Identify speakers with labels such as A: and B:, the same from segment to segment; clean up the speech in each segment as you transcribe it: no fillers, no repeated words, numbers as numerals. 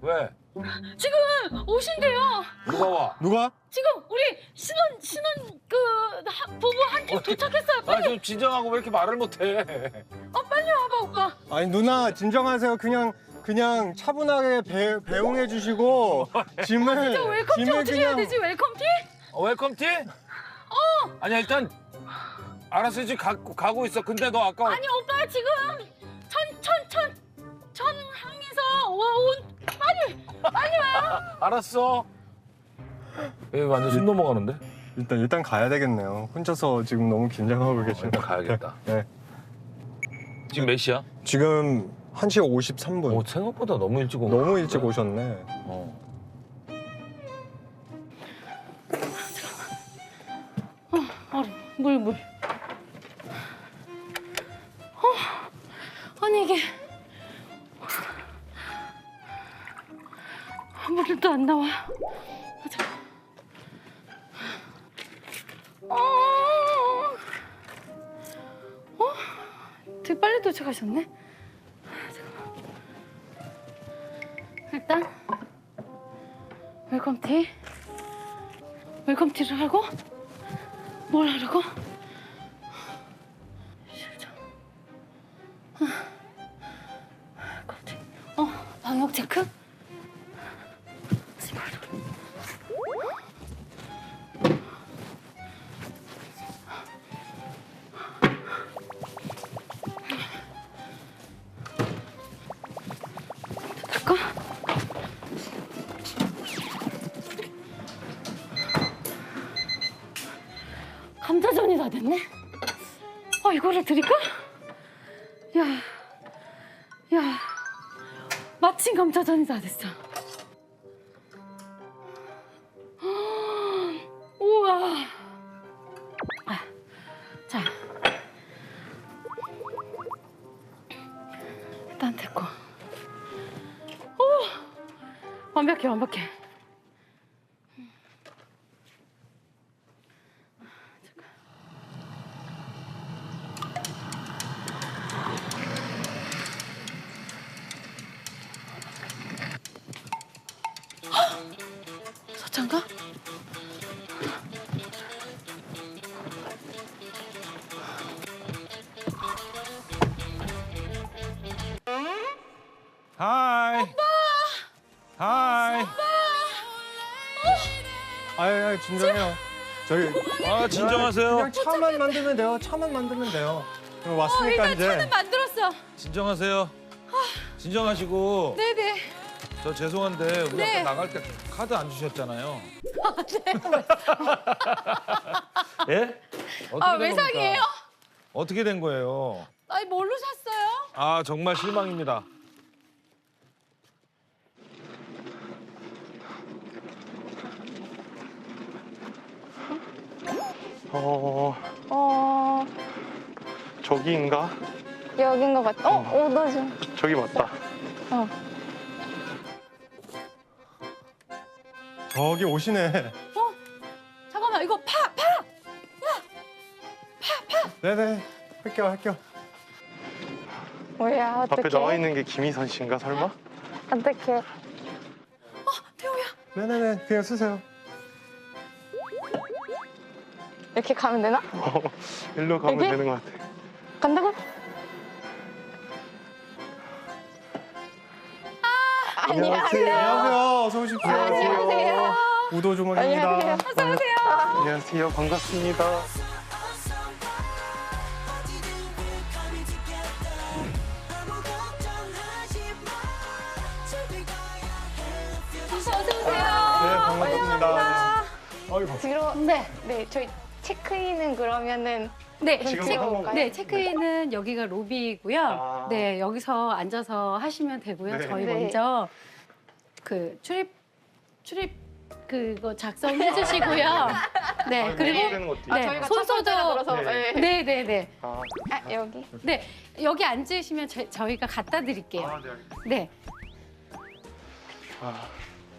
A: 왜?
B: 지금 오신대요.
A: 누가 와?
C: 누가?
B: 지금 우리 신혼 부부 한 팀 도착했어요.
A: 아,
B: 빨리.
A: 좀 진정하고 왜 이렇게 말을 못해?
B: 빨리 와봐 오빠.
C: 아니 누나 진정하세요. 그냥 차분하게 배웅해 주시고 짐을
B: 웰컴티 어떻게 해야 되지? 웰컴티?
A: 웰컴티? 아니야 일단 알았어 지금 가고 있어. 근데 너 아까
B: 아니 오빠 지금 천항에서 온 빨리 와요.
A: 알았어. 얘 완전 숨 넘어가는데?
C: 일단 가야 되겠네요. 혼자서 지금 너무 긴장하고 계시네.
A: 일단 가야겠다.
C: 네.
A: 지금 몇 시야?
C: 지금 1시 53분.
A: 오, 생각보다 너무 일찍 온
C: 너무 일찍 오셨네.
B: 물. 아니 이게 물도 안 나와. 잠깐. 되게 빨리 도착하셨네. 잠깐만. 일단 웰컴티를 하고 뭘 하라고? 방역 체크? 될까? 감자전이 다 됐네? 이거를 드릴까? 야, 마침 감자전이 다 됐어. 우와. 자, 일단 됐고. 완벽해. 서찬가?
A: 하이. 오빠. 하이.
C: 아유 진정해요. 저희
A: 진정하세요.
C: 그냥 차만 만들면 돼요. 왔으니까
B: 일단
C: 이제.
B: 차는 만들었어.
A: 진정하세요. 진정하시고.
B: 네네.
A: 저 죄송한데 우리
B: 네.
A: 아까 나갈 때 카드 안 주셨잖아요. 예? 어떻게 된
B: 외상이에요?
A: 겁니까? 어떻게 된 거예요?
B: 아니 뭘로 샀어요?
A: 아 정말 실망입니다.
D: 저기인가?
E: 여긴 것 같아. 나 좀.
D: 저기 맞다.
C: 저기 오시네.
B: 잠깐만 이거 파!
C: 네네. 할게요.
E: 뭐야,
D: 앞에
E: 어떡해.
D: 나와 있는 게 김희선 씨인가 설마?
E: 어떡해.
B: 태호야.
C: 네네네. 그냥 쓰세요.
E: 이렇게 가면 되나?
D: 일로 가면
E: 여기?
D: 되는 것 같아.
E: 간다고?
C: 안녕하세요. 어서 오십시오.
E: 안녕하세요.
C: 우도 주머니입니다.
E: 안녕하세요.
D: 안녕하세요. 반갑습니다.
C: 네, 반갑습니다. 아이고.
E: 뒤로. 네, 저희 체크인은 그러면은
B: 네,
D: 지금 하는 건가요?
B: 네, 체크인은 여기가 로비이고요.
D: 아.
B: 네, 여기서 앉아서 하시면 되고요.
D: 네.
B: 저희
E: 네.
B: 먼저 그 출입 그거 작성해 주시고요. 네, 그리고
D: 되는 것도
B: 네,
E: 저희가
B: 손소독.
E: 들어서
D: 네.
B: 네.
D: 아,
E: 여기.
B: 네, 여기 앉으시면 저희가 갖다 드릴게요.
D: 네, 알겠습니다.
B: 네.
D: 아,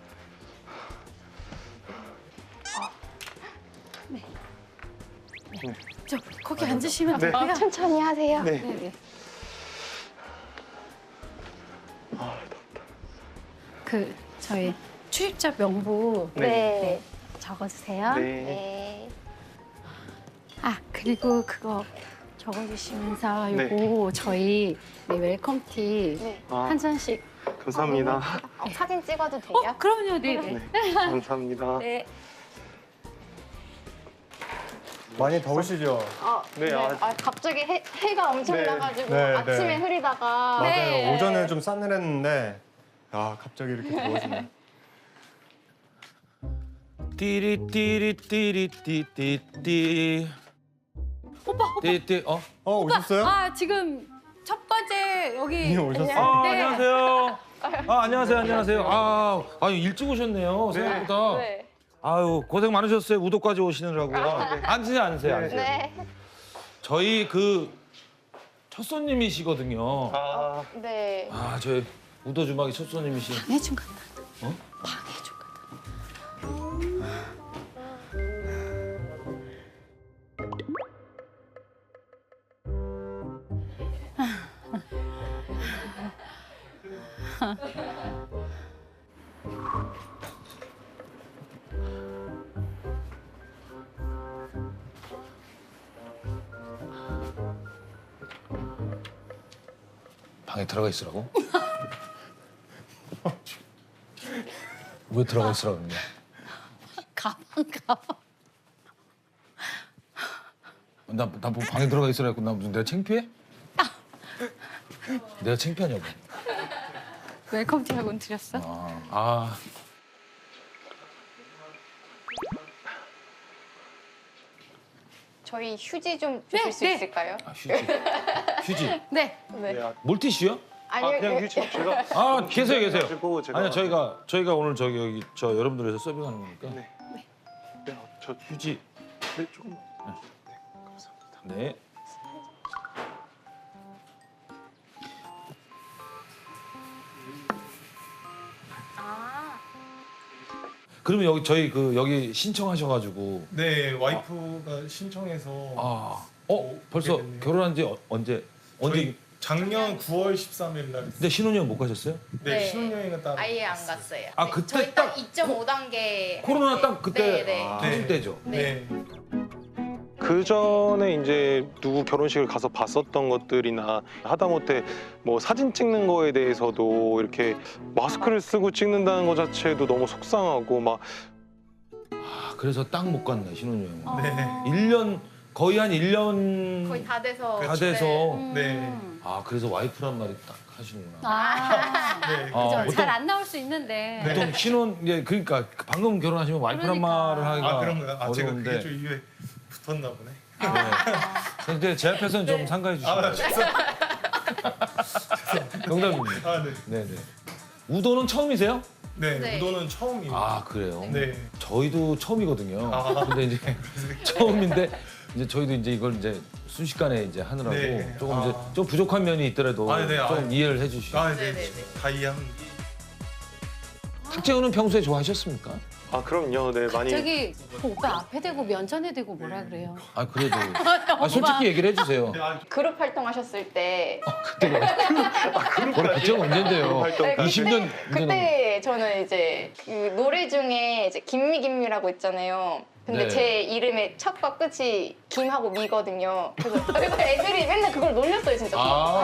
B: 저 거기 앉으시면
D: 네.
B: 되고요.
E: 천천히 하세요.
D: 네.
B: 네.
D: 아, 덥다.
B: 그 저희 출입자 명부
E: 네.
B: 적어주세요.
D: 네.
E: 네.
B: 아 그리고 그거 적어주시면서
D: 네.
B: 요거 저희 웰컴티
E: 네.
D: 아,
B: 한 잔씩.
D: 감사합니다.
E: 사진 찍어도 돼요?
B: 그럼요, 네.
D: 네. 감사합니다.
B: 네.
C: 많이 더우시죠?
D: 네,
E: 갑자기 해가 엄청
D: 네.
E: 나가지고
C: 네,
E: 아침에
C: 네.
E: 흐리다가
C: 맞아요.
B: 네.
C: 오전에 좀 싸늘했는데 아 갑자기 이렇게 더워지네.
A: 띠리띠리띠리띠띠.
B: 오빠.
A: 띠띠.
C: 오셨어요?
B: 아 지금 첫 번째 여기.
C: 이미 오셨어요?
B: 네.
A: 안녕하세요. 안녕하세요. 일찍 오셨네요. 생각보다.
E: 네.
A: 아유, 고생 많으셨어요. 우도까지 오시느라고.
D: 네.
A: 앉으세요.
E: 네.
A: 저희 그 첫 손님이시거든요.
D: 아,
E: 네.
A: 저희 우도 주막이 첫 손님이시.
B: 방해준 간다.
A: 어?
B: 방해준 간다.
A: 방에 들어가 있으라고? 왜 들어가 있으라고 그러냐?
B: 가방.
A: 나 뭐 방에 들어가 있으라 했고 나 무슨 내가 창피해? 내가 창피하냐고.
B: 웰컴티하고는 드렸어?
E: 저희 휴지 좀 주실 수
B: 네.
E: 있을까요?
A: 휴지.
B: 네.
E: 네.
D: 네.
A: 물티슈요?
E: 아니요.
D: 그냥 휴지 제가
A: 계세요.
D: 가지고 제가
A: 아니요, 저희가 오늘 여기 여러분들 위해서 서빙하는 거니까.
D: 네. 네, 저
A: 휴지.
D: 네, 조금만. 네, 감사합니다.
A: 네.
E: 아.
A: 그러면 여기 저희 여기 신청하셔가지고.
C: 네, 와이프가 신청해서
A: 벌써
C: 됐네요.
A: 결혼한 지 언제?
C: 저희 작년 9월 13일 날
A: 근데 신혼여행 못 가셨어요?
C: 네,
E: 네.
C: 신혼여행은 따로
E: 아예 안 갔어요.
A: 아, 그때
E: 저희
A: 딱
E: 2.5단계
A: 코로나 딱 그때
E: 네, 네.
A: 터질 때죠.
C: 네.
D: 그 전에 이제 누구 결혼식을 가서 봤었던 것들이나 하다못해 뭐 사진 찍는 거에 대해서도 이렇게 마스크를 쓰고 찍는다는 것 자체도 너무 속상하고 막
A: 그래서 딱 못 갔네 신혼여행.
C: 네.
A: 1년 거의 한 1년
E: 거의 다 돼서
A: 다 돼서.
C: 네.
A: 그래서 와이프란 말이 딱 하시는구나.
C: 네.
B: 그죠.
A: 보통-
B: 잘 안 나올 수 있는데.
C: 네.
A: 보통 신혼 그러니까 방금 결혼하시면 와이프란
B: 그러니까.
A: 말을 하기가
C: 그런가요? 제가
A: 어려운데.
C: 그게 좀 입에 붙었나 보네.
A: 근데 제 앞에서는 좀 상가해 주시면.
C: 죄송합니다.
A: 농담입니다.
C: 네.
A: 네네. 우도는 처음이세요?
C: 네,
E: 네.
C: 우도는 처음입니다.
A: 그래요.
C: 네.
A: 저희도 처음이거든요.
C: 아.
A: 근데 이제 처음인데 이제 저희도 이제 이걸 이제 순식간에 이제 하느라고
C: 네.
A: 조금 이제 좀 부족한 면이 있더라도
C: 네.
A: 좀 이해를 해주시고.
C: 네.
E: 네네네.
C: 다 이해합니다.
A: 탁재훈은 평소에 좋아하셨습니까?
D: 그럼요. 네, 많이
B: 저기 그 오빠 앞에 대고 면전에 대고 뭐라 그래요?
A: 그래도 솔직히 얘기를 해주세요.
E: 그룹 활동하셨을 때
A: 그때가 언젠데요?
D: 활동
E: 네,
A: 20년
E: 그때 저는 이제 그 노래 중에 이제 김미라고 있잖아요. 근데
A: 네.
E: 제 이름의 첫과 끝이 김하고 미거든요. 그래서 애들이 맨날 그걸 놀렸어요, 진짜.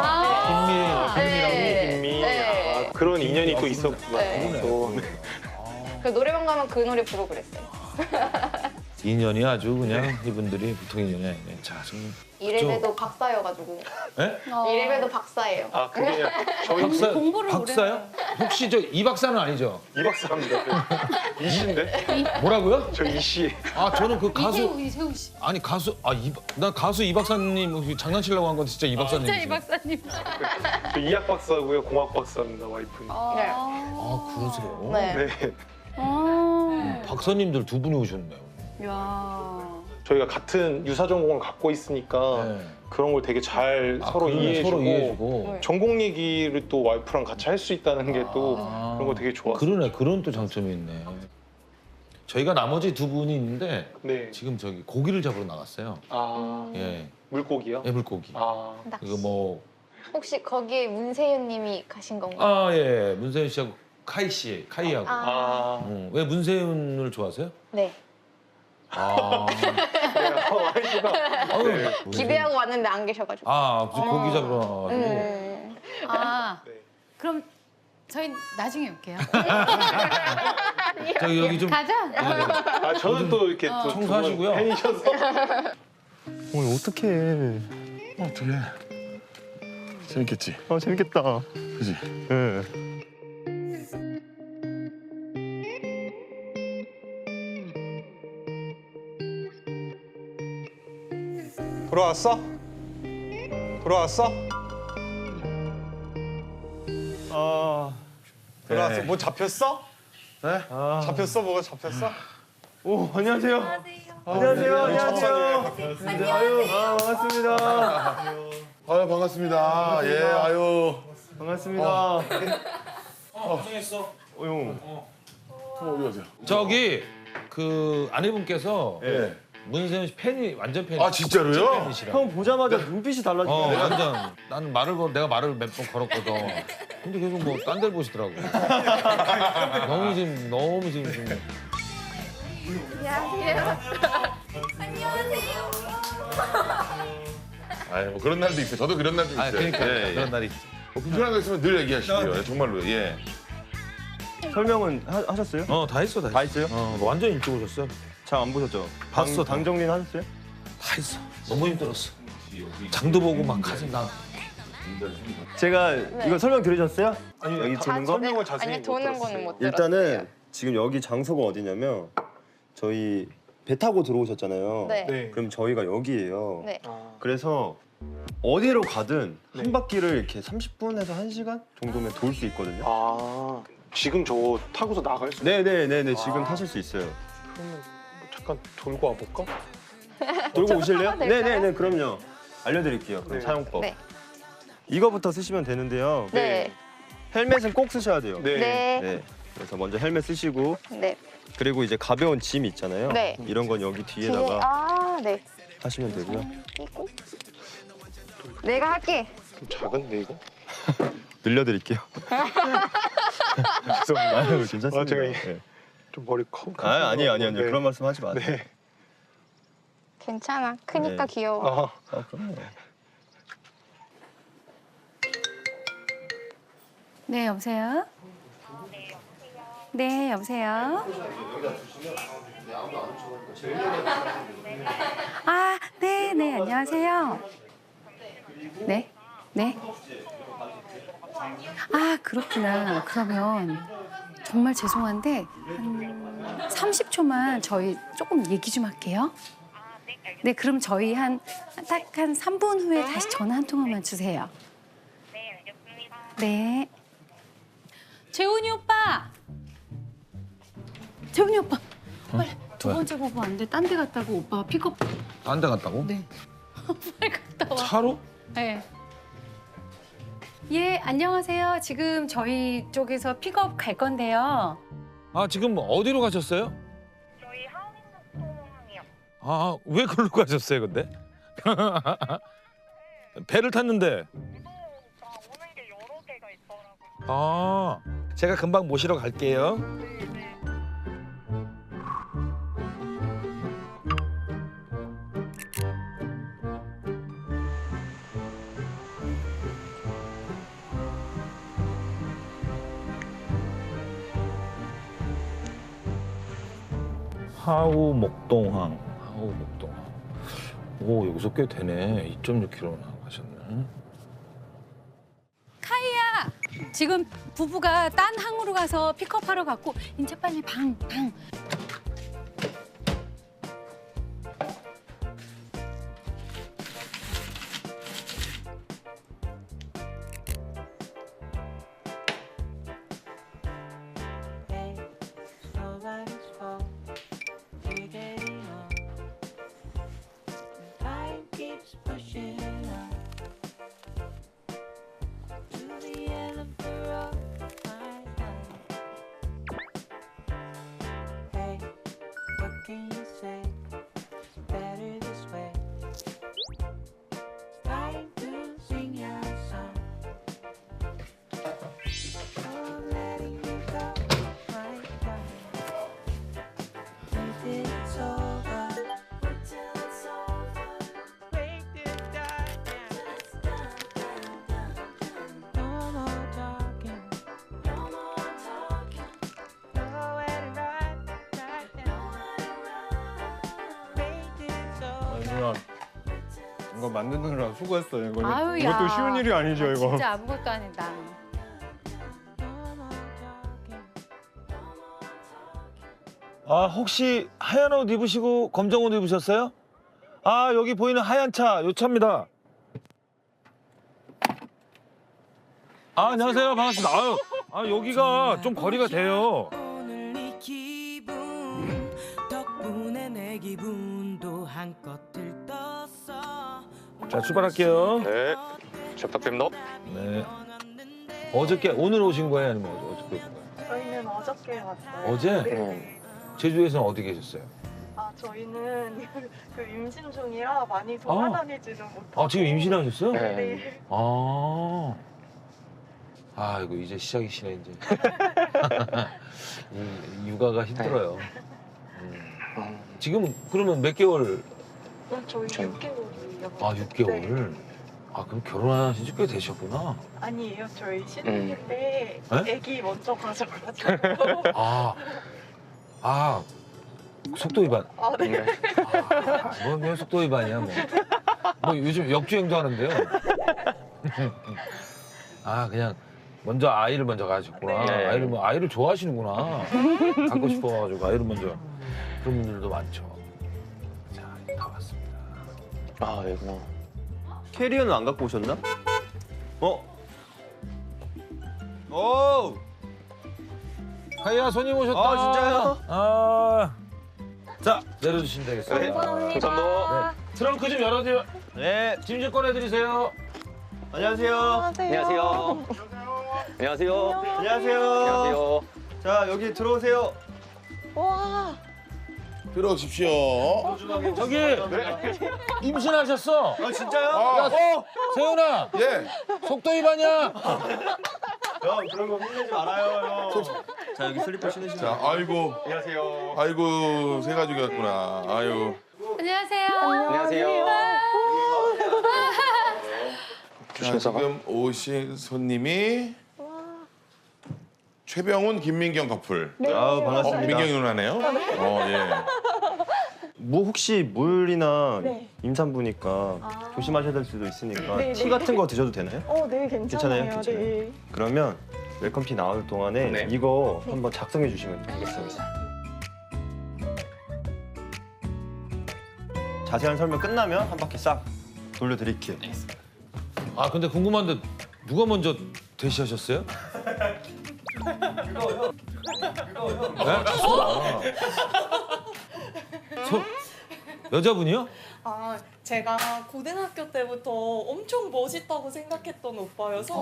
E: 네.
D: 김미
E: 네.
D: 그런 인연이 또 있었구나.
E: 네.
D: 또.
E: 그 노래방 가면 그 노래 부르고 그랬어요.
A: 인연이 아주 그냥 이분들이 보통 인연이 아니네. 자, 좀
E: 이래봬도 박사여가지고.
A: 예?
E: 이래봬도 박사예요.
D: 그게 저희
A: 박사
B: 공부를
A: 박사요? 혹시 저 이 박사는 아니죠?
D: 이 박사입니다. 이씨인데?
A: 뭐라고요?
D: 저 이씨.
A: 저는 그 가수
B: 이세우 씨.
A: 아니 가수 나 가수 이 박사님 혹시 장난치려고 한 건 진짜 이 박사님.
B: 진짜 이 박사님.
D: 저 이학 박사고요. 공학 박사입니다. 와이프는.
A: 그러세요?
E: 네.
D: 네.
A: 박사님들 두 분이 오셨네요.
B: 야.
D: 저희가 같은 유사 전공을 갖고 있으니까
A: 네.
D: 그런 걸 되게 잘 서로
A: 그러네,
D: 이해해주고
A: 서로 이해해주고.
D: 전공 얘기를 또 와이프랑 같이 할 수 있다는 게 또 그런 거 되게 좋았어요.
A: 그러네, 그런 또 장점이 있네. 저희가 나머지 두 분이 있는데
D: 네.
A: 지금 저기 고기를 잡으러 나갔어요. 예,
D: 물고기요?
A: 물고기.
E: 낚시.
A: 이거 뭐
E: 혹시 거기에 문세윤 님이 가신 건가요?
A: 예, 문세윤 씨하고 카이 씨, 카이하고.
E: 아,
A: 왜 문세윤을 좋아하세요?
E: 네.
A: 아, 아유,
E: 기대하고 왔는데 안 계셔가지고.
A: 아, 무슨 고기 잡으러 와가지고.
B: 아, 그럼 저희 나중에 올게요.
A: 저기 여기 좀
B: 가자.
D: 아 저는 또 이렇게 또
A: 청소하시고요.
D: 팬이셔서.
C: 오늘 어떡해.
F: 어떻게? 재밌겠지.
C: 재밌겠다.
F: 그지?
C: 예.
G: 돌아왔어? 돌아왔어? 돌아왔어. 뭐 잡혔어?
C: 네?
G: 잡혔어? 뭐가 잡혔어?
C: 오, 안녕하세요. 안녕하세요. 안녕하세요. 아유, 반갑습니다.
F: 아유 반갑습니다. 예, 아유.
C: 반갑습니다.
A: 고생했어.
C: 형.
F: 어디 가세요?
A: 저기 그 아내분께서
F: 예.
A: 문세윤 씨 팬이 완전 팬이.
F: 아 진짜로요?
A: 팬이시라.
C: 형 보자마자 눈빛이 달라지네.
A: 완전 나는 내가 말을 몇 번 걸었거든. 근데 계속 뭐 딴 데를 보시더라고. 너무 지금
F: 아유 뭐 그런 날도 있어요. 저도 그런 날도 있어요.
A: 그러니까
F: 예, 예.
A: 그런 날이 있어.
F: 뭐 불편한 거 있으면 늘 얘기하시고요. 예, 정말로 예.
C: 설명은 하셨어요?
A: 다 했어.
C: 다 했어요?
A: 완전 일찍 오셨어요.
C: 장 안 보셨죠?
A: 봤어,
C: 당 정리는 하셨어요?
A: 다 했어. 너무 힘들었어. 장도 보고 막 가서 나.
C: 제가 이거 설명 들으셨어요? 아니, 여기 도는 거?
G: 설명을 자세히
E: 아니,
G: 못
E: 도는
G: 들었어요.
E: 거는 못 들었어요.
C: 일단은 지금 여기 장소가 어디냐면 저희 배 타고 들어오셨잖아요.
E: 네.
G: 네.
C: 그럼 저희가 여기예요.
E: 네.
C: 그래서 어디로 가든 한 바퀴를 이렇게 30분에서 1시간 정도면 돌 수 있거든요.
D: 아 지금 저 타고서 나갈 수.
C: 네네네네 지금 타실 수 있어요.
D: 그러면 잠깐 돌고 와볼까?
C: 돌고 오실래요?
E: 타도 될까요?
C: 네네네 그럼요. 알려드릴게요. 그럼
D: 네.
C: 사용법.
E: 네.
C: 이거부터 쓰시면 되는데요.
E: 네.
C: 헬멧은 꼭 쓰셔야 돼요.
D: 네.
E: 네.
C: 네. 그래서 먼저 헬멧 쓰시고
E: 네.
C: 그리고 이제 가벼운 짐 있잖아요.
E: 네.
C: 이런 건 여기
E: 뒤에,
C: 뒤에다가
E: 아, 네.
C: 하시면 되고요.
E: 끼고. 내가 할게.
D: 좀 작은데 이거?
C: 늘려드릴게요. 죄송합니다. 아유, 괜찮습니다.
D: 아, 제가
C: 네.
D: 좀 머리 커.
C: 아니에요.
D: 네.
C: 그런 말씀 하지 마세요.
D: 네.
E: 괜찮아. 크니까
C: 네.
E: 귀여워.
C: 그럼요.
B: 네, 여보세요? 네, 여보세요? 아, 네, 네, 안녕하세요. 네, 네. 아, 그렇구나. 그러면 정말 죄송한데 한 30초만 저희 조금 얘기 좀 할게요. 네, 그럼 저희 딱 한 3분 후에 다시 전화 한 통화만 주세요. 네. 재훈이 오빠! 재훈이 오빠! 빨리 두
A: 왜?
B: 번째 보고 안 돼. 딴 데 갔다고 오빠가 픽업.
A: 딴 데 갔다고?
B: 네. 빨리 갔다 와.
A: 차로?
B: 네. 예, 안녕하세요. 지금 저희 쪽에서 픽업 갈 건데요.
A: 아 지금 어디로 가셨어요?
H: 저희 하원목동항이요.
A: 아 왜 그걸로 가셨어요 근데? 배를 탔는데.
H: 오빠 오는 게 여러 개가 있더라고요.
A: 아 제가 금방 모시러 갈게요. 하우 목동항. 오 여기서 꽤 되네. 2.6km 나가셨네.
B: 카이야! 지금 부부가 딴 항으로 가서 픽업하러 갔고 이제 빨리 방.
G: 누나 이거 만드느라 수고했어요. 이거
B: 아유,
G: 이것도
B: 야.
G: 쉬운 일이 아니죠, 이거.
B: 진짜 아무것도 아니다.
A: 아 혹시 하얀 옷 입으시고 검정 옷 입으셨어요? 아 여기 보이는 하얀 차, 요 차입니다. 아 안녕하세요, 반갑습니다. 아유, 아 여기가 좀 거리가 돼요.
I: 오늘 이 기분 덕분에 내 기분도 한껏 들떴어.
A: 자 출발할게요.
D: 네, 잘 부탁드립니다.
A: 네. 어저께 오늘 오신 거예요, 아니면 어저께 오신 거예요?
H: 저희는 어저께 왔어요.
A: 어제?
H: 네.
A: 제주에서는 어디 계셨어요?
H: 아 저희는 그 임신 중이라 많이 돌아다니지는 못하고.
A: 아 지금 임신하셨어요?
H: 네.
A: 아 이거 이제 시작이시네 이제. 이 육아가 힘들어요. 지금 그러면 몇 개월?
H: 저희 6개월이에요.
A: 아 6개월. 아 그럼 결혼하신 지 꽤 되셨구나.
H: 아니에요. 저희 신혼일 때
A: 네?
H: 아기 먼저 가져가지고.
A: 아 속도 위반.
H: 아 네.
A: 뭐 속도 위반이야 뭐. 뭐 요즘 역주행도 하는데요. 아 그냥 먼저 아이를 먼저 가셨구나.
D: 네.
A: 아이를 좋아하시는구나. 갖고 싶어가지고 아이를 먼저. 그런 분들도 많죠. 자, 다 왔습니다.
D: 아, 여기구나.
C: 캐리어는 안 갖고 오셨나? 오!
A: 하이야 손님 오셨다.
C: 아, 진짜요?
A: 아. 자 내려주시면 되겠습니다.
D: 감사합니다.
A: 트렁크 좀 열어드려.
C: 네,
A: 짐 좀 꺼내드리세요.
C: 안녕하세요.
D: 안녕하세요. 안녕하세요.
C: 안녕하세요. 자, 여기 들어오세요.
H: 와.
F: 들어오십시오.
A: 저기 임신하셨어.
C: 아, 진짜요?
F: 아,
A: 세훈아
F: 예.
A: 속도 위반이야.
C: 형, 그런 거 혼내지 말아요, 형. 자, 여기 슬리퍼 신으시면.
F: 자, 아이고.
C: 안녕하세요.
F: 아이고, 새 가족이었구나. 아유.
B: 안녕하세요.
D: 안녕하세요.
F: 자, 지금 오신 손님이 최병훈, 김민경 커플.
C: 아우, 반갑습니다.
F: 민경이 누나네요. 예.
C: 뭐 혹시 물이나
H: 네.
C: 임산부니까 조심하셔야 될 수도 있으니까
H: 네,
C: 티
H: 네.
C: 같은 거 드셔도 되나요?
H: 네 괜찮아요.
C: 괜찮아요?
H: 네.
C: 그러면 웰컴티 나올 동안에
D: 네.
C: 이거 한번 작성해 주시면 되겠습니다. 자세한 설명 끝나면 한 바퀴 싹 돌려드릴게요.
A: 아 근데 궁금한데 누가 먼저 대시하셨어요? 여자분이요?
J: 아, 제가 고등학교 때부터 엄청 멋있다고 생각했던 오빠여서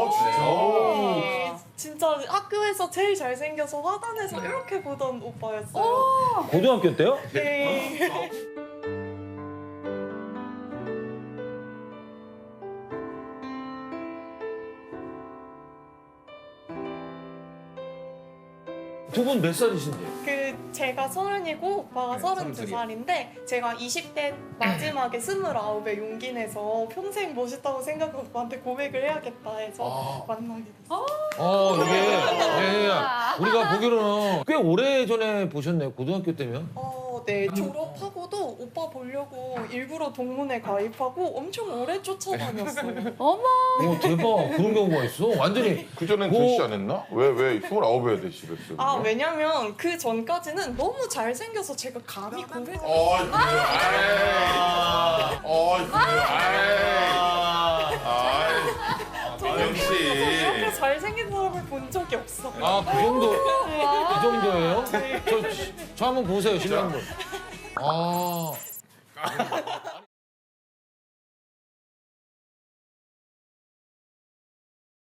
J: 진짜 학교에서 제일 잘생겨서 화단에서 이렇게 보던 오빠였어요.
A: 고등학교 때요?
J: 네.
A: 두 분 몇 살이신지?
J: 그 제가 30이고 오빠가 32살인데 제가 20대 마지막에 29에 용기 내서 평생 멋있다고 생각하고 오빠한테 고백을 해야겠다 해서 만나게 됐어요.
A: 이게 우리가 보기로는 꽤 오래 전에 보셨네요. 고등학교 때면.
J: 네, 졸업하고도 오빠 보려고 일부러 동문회 가입하고 엄청 오래 쫓아다녔어요.
B: 어머.
A: 오 대박. 그런 경우가 있어. 완전히
F: 그전엔
A: 오.
F: 대시 안 했나? 왜 29에 대시를 했어요?
J: 아, 왜냐면 그 전까지는 너무 잘생겨서 제가 감히 고백을
F: 어이, 그래. 어이, 그래.
J: 이렇게
F: 역시.
J: 잘생긴 사람을 본 적이 없어요.
A: 아 그 정도 이 정도예요? 저 한번 보세요 실례한 분. 아